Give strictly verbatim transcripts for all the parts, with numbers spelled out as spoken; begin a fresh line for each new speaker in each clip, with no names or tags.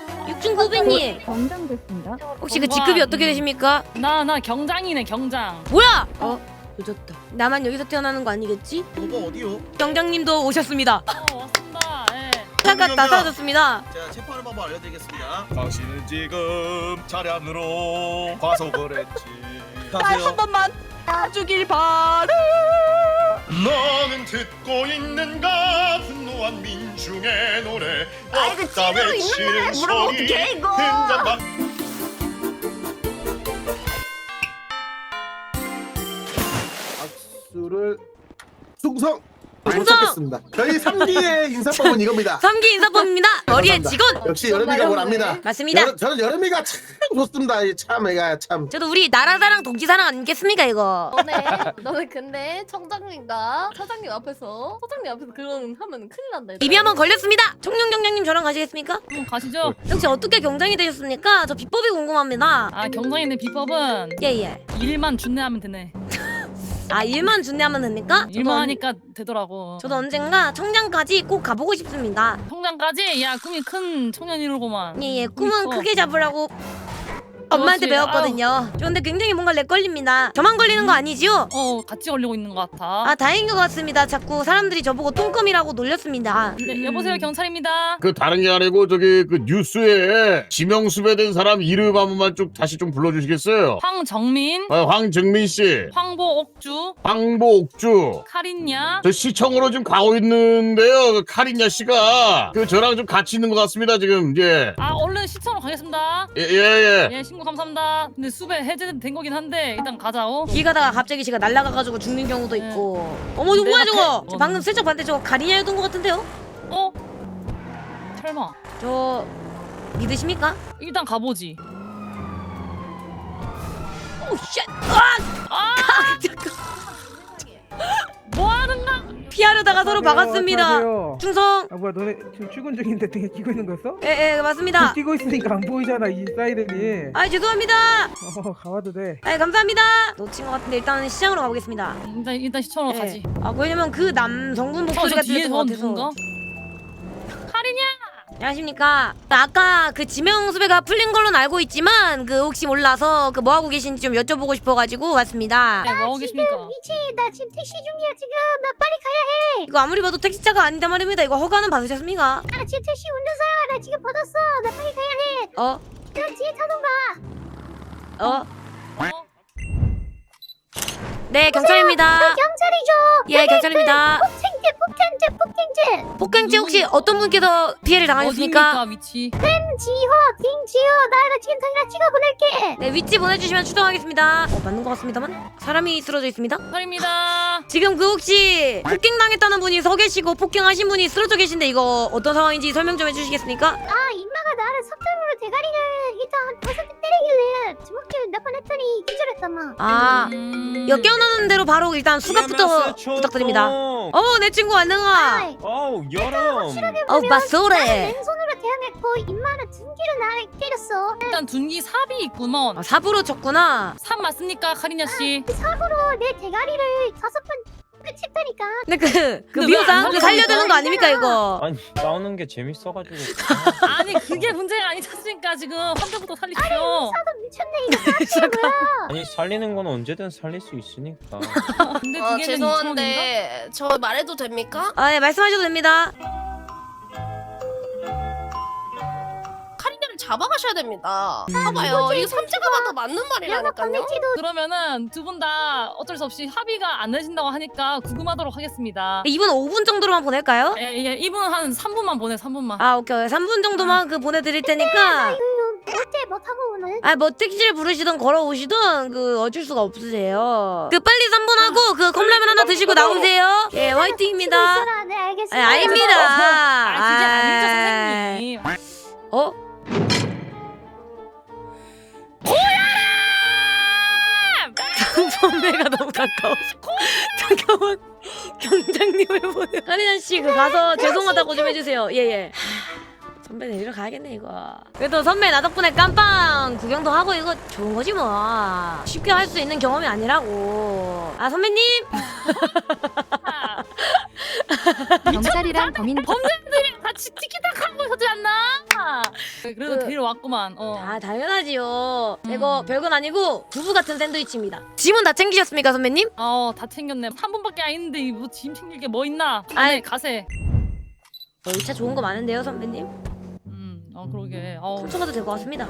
육중구배님
경장됐습니다.
혹시 그 직급이 어떻게 되십니까?
나 나 경장이네 경장.
뭐야? 어? 늦었다. 나만 여기서 태어나는 거 아니겠지?
오빠 어디요?
경장님도 오셨습니다.
어 왔습니다. 예.
잠깐 다 사라졌습니다.
제가 체포하는 방법 알려드리겠습니다. 당신은 지금 차량으로 과속을 했지.
한 번만 봐주길 바래.
너는 듣고 있는가 분노한 민중의 노래.
아이고,
없다
찌르고 있는
외치는
노래 물으면
소리.
어떡해, 이거.
등잔박.
악수를 충성!
충성!
못하겠습니다. 저희 삼 기의 인사법은 이겁니다.
삼 기 인사법입니다. 머리의
감사합니다.
직원.
역시 여름이가 뭘 압니다.
맞습니다.
여름, 저는 여름이가 참 좋습니다. 이 참 애가 참.
저도 우리 나라사랑 동지사랑 아니겠습니까 이거?
너네 너네 근데 청장님과 사장님 앞에서 사장님 앞에서 그런 하면 큰일 난다. 얘들아.
입이 한번 걸렸습니다. 청룡 경장님 저랑 가시겠습니까?
음, 가시죠.
혹시 어떻게 경장이 되셨습니까? 저 비법이 궁금합니다.
아 경장이네 비법은
예예.
일만 준내하면 되네.
아 일만 준비하면 됩니까?
일만
저도,
하니까 되더라고.
저도 언젠가 청장까지 꼭 가보고 싶습니다.
청장까지? 야 꿈이 큰 청년이로구만.
예예. 꿈은
커.
크게 잡으라고 엄마한테
그렇지.
배웠거든요. 저 근데 굉장히 뭔가 렉 걸립니다. 저만 걸리는 거 아니지요?
어 같이 걸리고 있는 것 같아.
아 다행인 것 같습니다. 자꾸 사람들이 저보고 똥컴이라고 놀렸습니다.
네, 여보세요 경찰입니다.
그 다른 게 아니고 저기 그 뉴스에 지명수배된 사람 이름 한 번만 쭉 다시 좀 불러주시겠어요?
황정민,
아, 황정민 씨,
황보옥주,
황보옥주.
카린야.
저 시청으로 지금 가고 있는데요. 그 카린야 씨가 그 저랑 좀 같이 있는 것 같습니다 지금. 예,
아 얼른 시청으로 가겠습니다.
예, 예. 예.
예 신고 감사합니다. 근데 수배 해제된 거긴 한데 일단 가자오.
길 가다가 갑자기 제가 날아가가지고 죽는 경우도
네.
있고. 어머 이거 뭐야
내가
저거?
배-
저 방금 슬쩍 봤는데 저거 가리냐였던 것 같은데요?
어? 설마.
저 믿으십니까?
일단 가보지.
오 쉣! 아!
아! 뭐 하는가?
피하려다가 서로 막았습니다.
안녕하세요.
충성.
아 뭐야 너네 지금 출근 중인데 되게 끼고 있는 거였어?
예, 예, 맞습니다.
끼고 있으니까 안 보이잖아 이 사이렌이.
아, 죄송합니다.
어 가봐도 돼.
아, 감사합니다. 놓친 것 같은데 일단은 시장으로 가보겠습니다.
일단 일단 시청으로
예.
가지.
아, 왜냐면 그 남성분
어,
목소리가
저 뒤에
들렸던 것
저건
같아서.
누군가? 카린야.
안녕하십니까. 아까 그 지명 수배가 풀린 걸로는 알고 있지만 그 혹시 몰라서 그 뭐 하고 계신지 좀 여쭤보고 싶어가지고 왔습니다.
네, 뭐 하고 계십니까?
미치 나 지금 택시 중이야 지금. 나 빨리 가야 해.
이거 아무리 봐도 택시차가 아니다 말입니다. 이거 허가는 받으셨습니까?
나 지금 택시 운전사야. 나 지금 받았어. 나 빨리 가야 해.
어?
나 뒤에 타던가.
어?
어?
네, 경찰입니다.
경찰이죠.
예, 경찰입니다.
폭행죄 폭행죄 폭행죄.
폭행죄 혹시 어떤 분께서 피해를 당하셨습니까?
어디입니까 위치?
김지호 김지호 나나 지금 당장 찍어 보낼게.
네, 위치 보내주시면 추정하겠습니다. 어, 맞는 것 같습니다만 사람이 쓰러져 있습니다.
카린입니다.
지금 그 혹시 폭행당했다는 분이 서 계시고 폭행하신 분이 쓰러져 계신데 이거 어떤 상황인지 설명 좀 해주시겠습니까?
아 임마가 나를 섭담으로 대가리를 일단 다섯 대 때리길래 주먹질 몇 번 했더니 기절했잖아.
아,
음...
역겨우는 대로 바로 일단 수갑부터 부탁드립니다. 어머, 내 친구 안녕하.
아이,
어우 여름.
어,
나는
맞소래.
왼손으로 대항했고 임마는 등기로 나를 때렸어.
일단 둔기 삽이 있구먼.
아, 삽으로 쳤구나.
삽 맞습니까 카린야 씨?
삽으로 내 대가리를 다섯 번 끝쳤다니까.
근데 그, 그
근데 왜안
미호상 그 살려야 되는 거 아닙니까 이거?
아니 싸우는 게 재밌어가지고.
아니 그게 문제가 아니지 않습니까 지금 한 대부터 살리십시오.
사도 미쳤네 이거.
잠깐.
아니 살리는 건 언제든 살릴 수 있으니까.
근데
아
두 개는 이천원인가?
죄송한데 저 말해도 됩니까?
아, 예, 말씀하셔도 됩니다.
카린이를 잡아가셔야 됩니다. 봐봐요 이거 삼재가 봐도 맞는
연합
말이라니까요.
건네지도
그러면은 두 분 다 어쩔 수 없이 합의가 안 되신다고 하니까 구금하도록 하겠습니다.
이분 오 분 정도로만 보낼까요?
예, 예, 이분 한 삼 분만 보내 삼 분만.
아, 오케이. 삼 분 정도만 그 보내드릴 테니까.
어때 못하고 오늘.
아, 뭐 택시를 부르시든 걸어오시든 그 어쩔 수가 없으세요. 그 빨리 삼 분 하고 그 컵라면 하나 드시고 나오세요. 예, 화이팅입니다.
있어라. 네
아,
알겠습니다.
아닙니다.
아 그게 아니죠
아.
선생님.
어? 선배가 너무 가까워서 잠깐만 경장님을 보내. 카리나 씨 그 가서 죄송하다고 좀 해주세요. 예예. 선배 내리러 가야겠네 이거. 그래도 선배 나 덕분에 깜빵 구경도 하고 이거 좋은 거지 뭐. 쉽게 할 수 있는 경험이 아니라고. 아 선배님.
경찰이랑 범인
범죄들이 같이 티키타카 하고 있었지 않나? 그래서
그-
데리러 왔구만. 어.
아 당연하지요.
음.
이거 별건 아니고 부부 같은 샌드위치입니다. 짐은 다 챙기셨습니까 선배님?
어, 다 챙겼네. 한 분밖에 안 있는데 뭐 짐 챙길 게 뭐 있나?
아이.
아이 가세.
어, 이 차 좋은 거 많은데요 선배님?
음, 어 그러게. 어,
훔쳐가도 될 것 같습니다.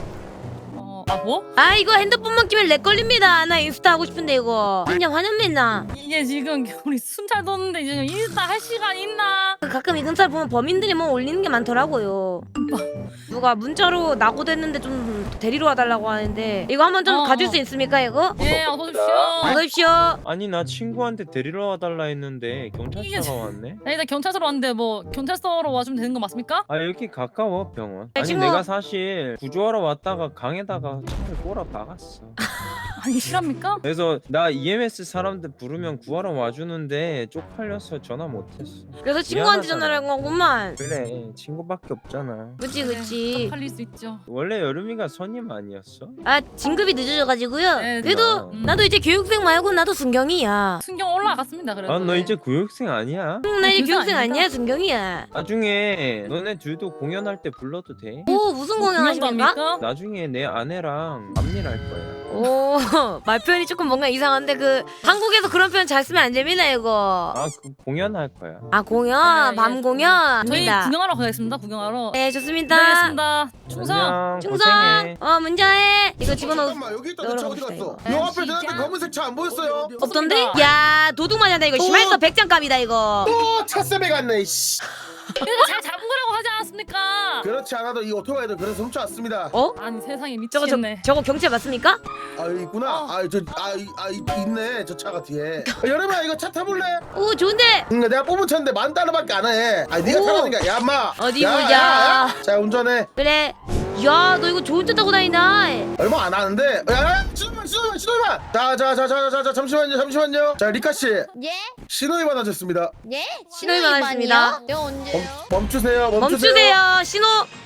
어, 아 뭐?
아 이거 핸드폰만 끼면 렉 걸립니다. 나 인스타 하고 싶은데 이거 그냥 화년맨나.
이게 지금 우리 순찰 뒀는데 이제 인스타 할 시간 있나?
가끔 이 근처 보면 범인들이 뭐 올리는 게 많더라고요. 누가 문자로 낙오됐는데 좀 데리러 와달라고 하는데 이거 한번 좀
어,
가줄
어.
수 있습니까 이거?
예, 어서 오십시오.
어서 오십시오.
아니 나 친구한테 데리러 와달라 했는데
이게
경찰차가
저-
왔네.
야, 일단 경찰서로 왔는데 뭐 경찰서로 와주면 되는 거 맞습니까?
아 여기 가까워 병원.
야,
아니
친구.
내가 사실 구조하러 왔다가 강에다가 차를 꼬라 박았어.
아니 실합니까?
그래서 나 이엠에스 사람들 부르면 구하러 와주는데 쪽팔려서 전화 못했어.
그래서 친구한테
미안하잖아.
전화를 한 거구만.
그래 친구밖에 없잖아.
그치 그치.
팔릴 수 있죠.
원래 여름이가 선임 아니었어?
아 진급이 늦어져가지고요.
네,
그래도
음.
나도 이제 교육생 말고 나도 순경이야.
순경 올라갔습니다. 그래도.
아 너 이제 교육생 아니야?
응, 나 이제
교육생
교육생
아닙니까?
아니야 순경이야.
나중에 너네 둘도 공연할 때 불러도 돼?
오 무슨 공연
공연도
하십니까?
합니까?
나중에 내 아내랑 밤일할 거야.
오 말 표현이 조금 뭔가 이상한데 그 한국에서 그런 표현 잘 쓰면 안 됩니다 이거.
아 그 공연할 거야.
아 공연
네,
밤
예.
공연.
저희
합니다.
구경하러 가겠습니다. 구경하러.
네 좋습니다.
기다리겠습니다. 충성.
안녕,
충성.
고생해.
어 문자해. 이거 집어넣어.
잠깐만 여기 있다. 내
넣으러
차 어디
갑시다,
갔어?
이거.
요 앞에 대한테 검은색 차 안 보였어요?
없던데?
없습니다.
야 도둑 맞았다 이거. 심할서 백장갑이다 이거.
또 차세배 갔네. 씨.
그래서 잘 잡은 거라고 하지 않았습니까?
그렇지 않아도 이 오토바이들 그래서 훔쳐왔습니다.
어?
아니 세상에
저거 저,
미치겠네.
저거 경찰 맞습니까?
아 여기 있구나.
어.
아저아 이, 아, 이, 있네 저 차가 뒤에. 아, 여름아 이거 차 타볼래?
오 좋은데.
응, 내가 뽑은 차인데 만 달러밖에 안 해. 아 네가
오.
타라니까. 야 인마.
어디
야,
보자.
야, 야. 자 운전해.
그래. 야 너 이거 좋은 차 타고 다닌다.
얼마 안 하는데. 야야 신호만 신호만 신호만. 자자자자자자 잠시만요 잠시만요. 자 리카 씨
예?
신호위반 하셨습니다.
예?
신호위반 하셨습니다.
내가 언제요?
멈, 멈추세요 멈추세요.
멈추세요. 신호.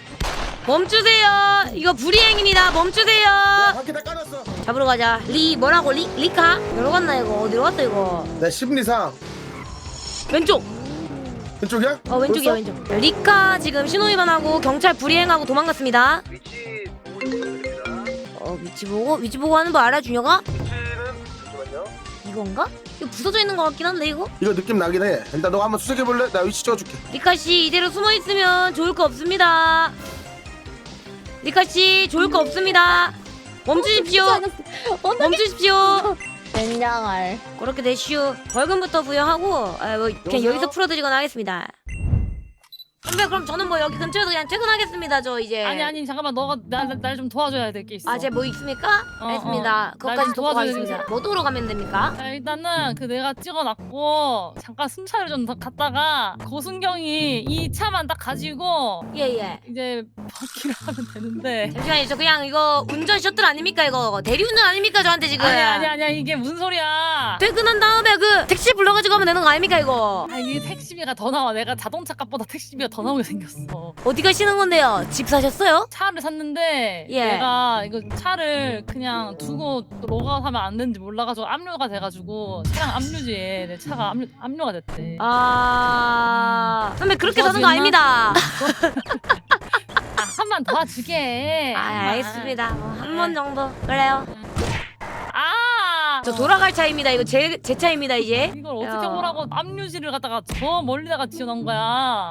멈추세요. 이거 불이행입니다. 멈추세요.
야, 바퀴 다 까놨어.
잡으러 가자. 리 뭐라고 리 리카? 여기로 갔나 이거? 어디로 갔어 이거?
내 심리상
왼쪽.
왼쪽이야?
어 왼쪽이야
벌써?
왼쪽. 리카 지금 신호 위반하고 경찰 불이행하고 도망갔습니다.
위치 보고 있습니다.
어 위치 보고 위치 보고 하는 거 알아 준혁아?
위치는 잠시만요.
이건가? 이거 부서져 있는 것 같긴 한데 이거?
이거 느낌 나긴 해. 일단 너가 한번 수색해 볼래? 나 위치 찍어줄게.
리카 씨 이대로 숨어 있으면 좋을 거 없습니다. 리카 씨 좋을 거 없습니다. 멈추십시오. 멈추십시오.
젠장할.
그렇게 되시오. 벌금부터 부여하고 아, 뭐 그냥
여보세요?
여기서 풀어드리거나 하겠습니다. 선배 그럼 저는 뭐 여기 근처에서 그냥 퇴근하겠습니다. 저 이제.
아니 아니 잠깐만 너가 날 좀 도와줘야 될 게 있어.
아, 제 뭐 있습니까?
어,
알겠습니다.
어.
그것까지
날 좀
돕고
도와줘야
가겠습니다.
되겠어.
뭐 도로 가면 됩니까?
자, 일단은 그 내가 찍어놨고 잠깐 순찰을 좀 더 갔다가 고순경이 이 차만 딱 가지고
예예.
이제 바퀴를 하면 되는데.
잠시만요. 저 그냥 이거 운전 셔틀 아닙니까 이거? 대리운전 아닙니까 저한테 지금?
아니 아니 아니야 이게 무슨 소리야?
퇴근한 다음에 그 택시 불러가지고 하면 되는 거 아닙니까 이거?
아 이게 택시비가 더 나와. 내가 자동차 값보다 택시비가 더 나오게 생겼어.
어디 가시는 건데요? 집 사셨어요?
차를 샀는데
예.
내가 이거 차를 그냥 두고 또 로그아웃하면 안 되는지 몰라가지고 압류가 돼가지고 차량 압류지에 내 차가 압류, 압류가 됐대.
아 선배 그렇게 사는 거
도와주겠나?
아닙니다.
아, 한 번 도와주게.
아 알겠습니다. 한 번 정도 그래요.
아,
저 돌아갈 차입니다. 이거 제 제 차입니다 이제.
이걸 어떻게
야.
보라고 압류지를 갖다가 저 멀리다가 지어놓은 거야.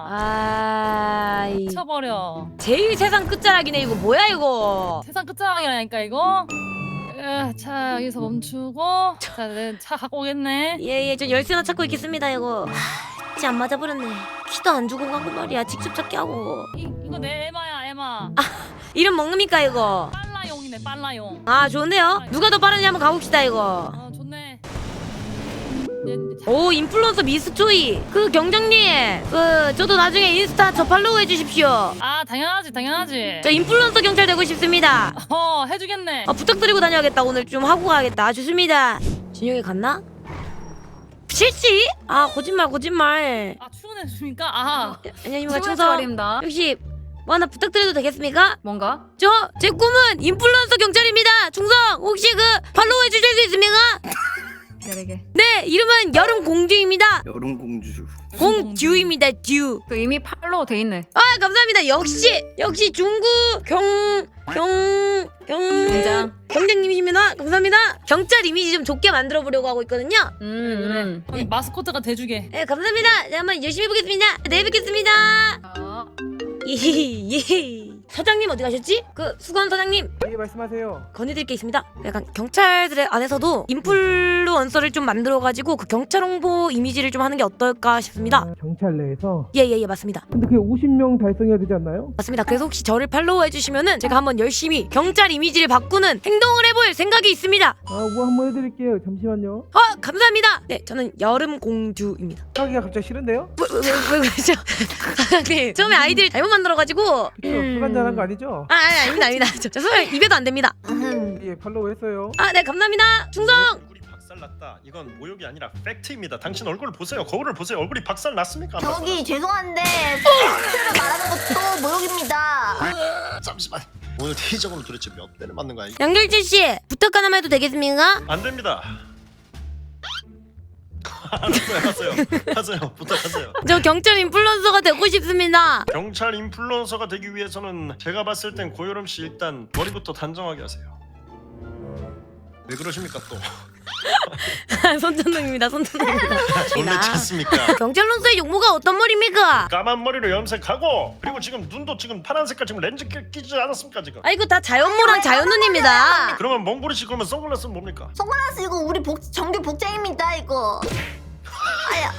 아 이-
쳐버려.
제일 세상 끝자락이네 이거 뭐야 이거?
세상 끝자락이라니까 이거. 으, 차 여기서 멈추고. 자, 내 차 갖고 오겠네.
예예 전 열쇠나 찾고 있겠습니다 이거. 하, 안 맞아버렸네. 키도 안 주고 가고 말이야. 직접 찾기 하고.
이, 이거 내 에마야 에마.
이름 먹습니까 이거?
빨라용이네 빨라용.
아 좋은데요? 누가 더 빠르냐 한번 가봅시다 이거.
어 좋네. 내, 내 차-
오 인플루언서 미스초이. 그 경장님 그 저도 나중에 인스타 저 팔로우 해주십시오.
아 당연하지 당연하지.
저 인플루언서 경찰 되고 싶습니다.
어 해주겠네.
아, 부탁드리고 다녀야겠다. 오늘 좀 하고 가야겠다. 아, 좋습니다. 준영이 갔나? 실시? 아 거짓말 거짓말.
아 출근했습니까? 아
안녕하십니까 충성. 혹시 뭐 하나 부탁드려도 되겠습니까?
뭔가?
저 제 꿈은 인플루언서 경찰입니다. 충성 혹시 그 팔로우 해주실 수 있습니까?
느리게.
네, 이름은 여름 공주입니다.
여름 공주.
공듀입니다, 듀.
그 이미 팔로우 돼 있네.
아, 감사합니다. 역시 역시 중구 경경경
경장.
경장님이십니다. 감사합니다. 경찰 이미지 좀 좋게 만들어 보려고 하고 있거든요.
음.
거기 마스코트가 돼주게.
네, 감사합니다. 자, 한번 열심히 해보겠습니다. 내일 뵙겠습니다.
어.
예. 사장님 어디 가셨지? 그 수건 사장님
예, 말씀하세요.
건의드릴 게 있습니다. 약간 경찰들의 안에서도 인플루언서를 좀 만들어가지고 그 경찰 홍보 이미지를 좀 하는 게 어떨까 싶습니다.
아, 경찰 내에서.
예예예 맞습니다.
근데 그게 오십 명 달성해야 되지 않나요?
맞습니다. 그래서 혹시 저를 팔로우 해주시면은 제가 한번 열심히 경찰 이미지를 바꾸는 행동을 해볼 생각이 있습니다.
아, 뭐 한번 해드릴게요. 잠시만요.
어 감사합니다. 네 저는 여름 공주입니다.
하기가 갑자기 싫은데요?
왜왜 왜, 왜 그러죠? 사장님 처음에 아이디를 잘못 만들어가지고
그쵸? 술 한잔한 거 아니죠?
아 아니 아닙니다 아닙니다. 저, 저 술 입에도 안 됩니다.
예, 팔로우 했어요.
아 네 감사합니다. 충성.
얼굴이 박살났다. 이건 모욕이 아니라 팩트입니다. 당신 얼굴을 보세요. 거울을 보세요. 얼굴이 박살났습니까? 안
저기 죄송한데 팩트를 말하는 것도 모욕입니다.
박살났- 잠시만. 오늘 회의적으로 도대체 몇 대를 맞는 거야? 이게?
양결재 씨 부탁 하나만 해도 되겠습니까?
안 됩니다. 알았어요, 알았어요. 하세요. 부탁하세요.
저 경찰 인플루언서가 되고 싶습니다.
경찰 인플루언서가 되기 위해서는 제가 봤을 땐 고여름 씨 일단 머리부터 단정하게 하세요. 왜 그러십니까 또?
손전등입니다. 손전등입니다.
졸래 찾습니까?
경찰로서의 용모가 어떤 머리입니까?
까만 머리로 염색하고 그리고 지금 눈도 지금 파란 색깔 지금 렌즈 끼, 끼지 않았습니까 지금?
아 이거 다 자연모랑 자연눈입니다.
그러면 몽골이 씨 그러면 선글라스는 뭡니까?
선글라스 이거 우리 복, 정규 복장입니다 이거. 아야.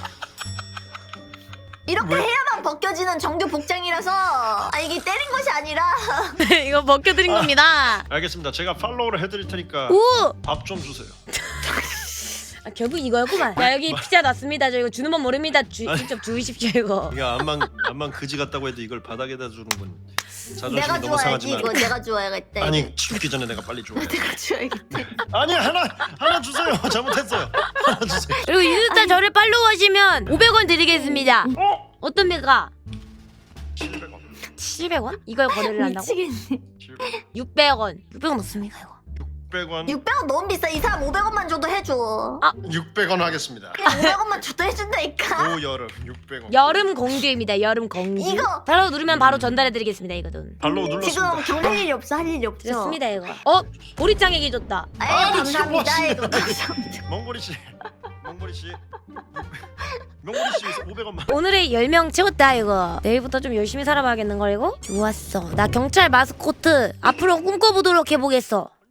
이렇게
왜?
해야만 벗겨지는 정규 복장이라서 아 이게 때린 것이 아니라
네, 이거 벗겨드린
아.
겁니다.
알겠습니다. 제가 팔로우를 해드릴 테니까
오!
밥 좀 주세요.
아, 결국 이거였구만. 자 여기 피자 났습니다. 저 이거 주는 법 모릅니다. 주,
아니.
직접 주이십시오 이거.
이게 암만 암만 그지 같다고 해도 이걸 바닥에다 주는 건 자존심이
내가
너무
주워야지
상하지만.
이거 내가 주워야겠다.
아니 죽기 전에 내가 빨리 줘.
내가 주워야겠다.
아니 하나 하나 주세요. 잘못했어요. 하나 주세요.
그리고 인스타 저를 팔로우하시면 오백 원 드리겠습니다.
어?
어떻습니까?
칠백 원.
칠백 원? 이걸 거래를 한다고?
미치겠네.
칠백 원.
육백 원. 육백 원 없습니까 이거?
육백 원.
육백 원 너무 비싸. 이 사람 오백 원만 줘도 해줘.
육백 원 하겠습니다.
그냥 오백 원만 줘도 해준다니까.
고여름 육백 원.
여름 공주입니다. 여름 공주.
이거!
바로 누르면 바로 전달해드리겠습니다 이거 돈.
발로
지금
눌렀습니다.
경찰 일이 없어 할 일이 없죠.
됐습니다 이거. 어? 보리짱에게 줬다.
에이
아, 지금
감사합니다
뭐
이거 감사합니다.
몽골이 씨. 몽골이 씨. 몽골이 씨 오백 원만.
오늘의 열 명 채웠다 이거. 내일부터 좀 열심히 살아봐야겠는 걸 이거? 좋았어. 나 경찰 마스코트 앞으로 꿈꿔보도록 해보겠어.